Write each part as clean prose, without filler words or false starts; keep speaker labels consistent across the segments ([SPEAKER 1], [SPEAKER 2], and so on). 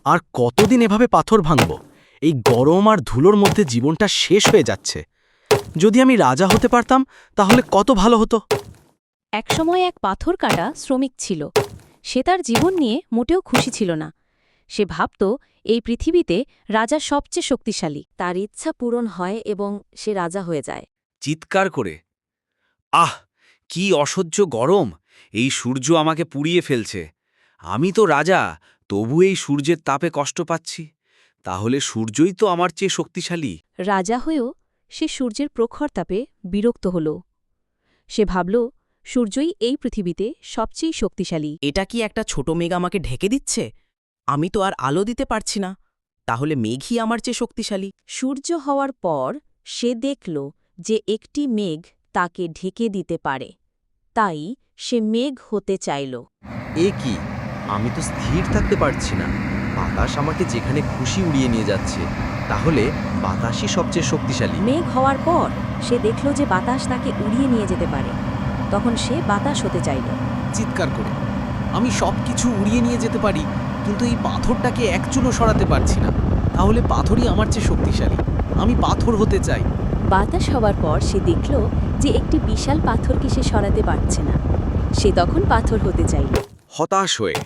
[SPEAKER 1] আর কতদিন এভাবে পাথর ভাঙব? এই গরম আর ধুলোর মধ্যে জীবনটা শেষ হয়ে যাচ্ছে। যদি আমি রাজা হতে পারতাম তাহলে কত ভালো হতো।
[SPEAKER 2] একসময় এক পাথর কাটা শ্রমিক ছিল। সে তার জীবন নিয়ে মোটেও খুশি ছিল না। সে ভাবত এই পৃথিবীতে রাজা সবচেয়ে শক্তিশালী, তার ইচ্ছা পূরণ হয় এবং সে রাজা হয়ে যায়।
[SPEAKER 3] চিৎকার করে, আহ, কি অসহ্য গরম! এই সূর্য আমাকে পুড়িয়ে ফেলছে। আমি তো রাজা, তবু এই সূর্যের তাপে কষ্ট পাচ্ছি। তাহলে সূর্যই তো আমার চেয়ে শক্তিশালী।
[SPEAKER 2] রাজা হয়েও সে সূর্যের প্রখর তাপে বিরক্ত হল। সে ভাবল সূর্যই এই পৃথিবীতে সবচেয়ে শক্তিশালী।
[SPEAKER 4] এটা কি একটা ছোট মেঘ আমাকে ঢেকে দিচ্ছে? আমি তো আর আলো দিতে পারছি না। তাহলে মেঘই আমার চেয়ে শক্তিশালী।
[SPEAKER 2] সূর্য হওয়ার পর সে দেখল যে একটি মেঘ তাকে ঢেকে দিতে পারে। তাই সে মেঘ হতে চাইল।
[SPEAKER 5] এ কি? আমি তো স্থির থাকতে পারছি না। বাতাস আমাকে যেখানে খুশি উড়িয়ে নিয়ে যাচ্ছে। তাহলে বাতাসই সবচেয়ে শক্তিশালী।
[SPEAKER 2] মেঘ হওয়ার পর সে দেখল যে বাতাস তাকে উড়িয়ে নিয়ে যেতে পারে। তখন সে বাতাস হতে চাইল।
[SPEAKER 1] চিৎকার করে, আমি সবকিছু উড়িয়ে নিয়ে যেতে পারি, কিন্তু এই পাথরটাকে এক চুলও সরাতে পারছি না। তাহলে পাথরই আমার চেয়ে শক্তিশালী। আমি পাথর হতে চাই।
[SPEAKER 2] বাতাস হওয়ার পর সে দেখল যে একটি বিশাল পাথরকে সে সরাতে পারছে না। সে তখন পাথর হতে চাইল।
[SPEAKER 3] হতাশ হয়ে,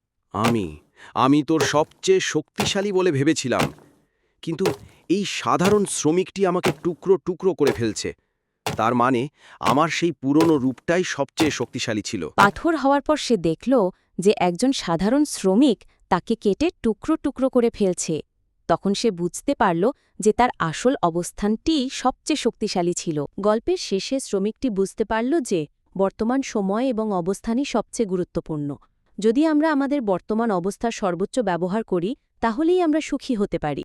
[SPEAKER 3] আমি তোর সবচেয়ে শক্তিশালী বলে ভেবেছিলাম, কিন্তু এই সাধারণ শ্রমিকটি আমাকে টুকরো টুকরো করে ফেলছে। তার মানে আমার সেই পুরনো রূপটাই সবচেয়ে শক্তিশালী ছিল।
[SPEAKER 2] পাথর হওয়ার পর সে দেখল যে একজন সাধারণ শ্রমিক তাকে কেটে টুকরো টুকরো করে ফেলছে। তখন সে বুঝতে পারল যে তার আসল অবস্থানটিই সবচেয়ে শক্তিশালী ছিল। গল্পের শেষে শ্রমিকটি বুঝতে পারল যে বর্তমান সময় এবং অবস্থানই সবচেয়ে গুরুত্বপূর্ণ। যদি আমরা আমাদের বর্তমান অবস্থার সর্বোচ্চ ব্যবহার করি, তাহলেই আমরা সুখী হতে পারি।